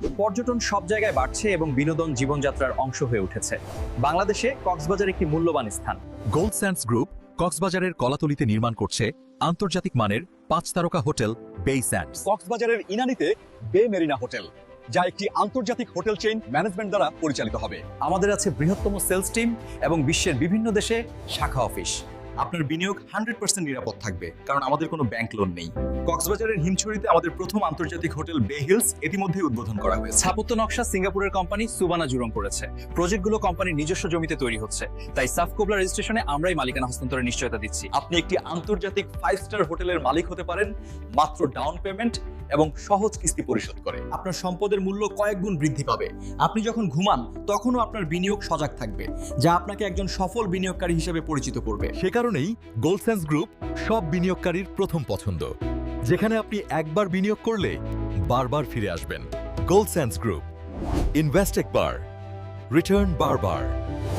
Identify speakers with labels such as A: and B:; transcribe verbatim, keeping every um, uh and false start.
A: পর্যটন সব জায়গায় বাড়ছে এবং বিনোদন জীবনযাত্রার অংশ হয়ে উঠেছে। বাংলাদেশে কক্সবাজার একটি মূল্যবান স্থান।
B: গোল্ড স্যান্ডস গ্রুপ কক্সবাজারের কলাতলিতে নির্মাণ করছে আন্তর্জাতিক মানের পাঁচ তারকা হোটেল বে স্যান্ডস।
C: কক্সবাজারের ইনানীতে বে মেরিনা হোটেল, যা একটি আন্তর্জাতিক হোটেল চেইন ম্যানেজমেন্ট দ্বারা পরিচালিত হবে।
A: আমাদের আছে বৃহত্তম সেলস টিম এবং বিশ্বের বিভিন্ন দেশে শাখা অফিস।
C: আপনার বিনিয়োগ হান্ড্রেড পার্সেন্ট নিরাপদ থাকবে, কারণ আমাদের কোনো ব্যাংক লোন নেই। কক্সবাজারের হিমছড়িতে আমাদের প্রথম আন্তর্জাতিক হোটেল বে হিলস ইতিমধ্যে উদ্বোধন করা হয়েছে।
A: স্থাপত্য নকশা সিঙ্গাপুরের কোম্পানি সুবানা জুরং করেছে। প্রজেক্টগুলো কোম্পানির নিজস্ব জমিতে তৈরি হচ্ছে, তাই সাফকোবলা রেজিস্ট্রেশনে আমরাই মালিকানা হস্তান্তরের নিশ্চয়তা দিচ্ছি।
C: আপনি একটি আন্তর্জাতিক ফাইভ স্টার হোটেলের মালিক হতে পারেন মাত্র ডাউন পেমেন্ট এবং সহজ কিস্তি পরিশোধ করে। আপনার সম্পদের মূল্য কয়েক গুণ বৃদ্ধি পাবে। আপনি যখন ঘুমান তখনও আপনার বিনিয়োগ সজাগ থাকবে, যা আপনাকে একজন সফল বিনিয়োগকারী হিসেবে পরিচিত করবে।
B: সে কারণেই গোল্ড স্যান্ডস গ্রুপ সব বিনিয়োগকারীর প্রথম পছন্দ, যেখানে আপনি একবার বিনিয়োগ করলে বারবার ফিরে আসবেন। গোল্ড স্যান্ডস গ্রুপ, ইনভেস্ট একবার, রিটার্ন বারবার।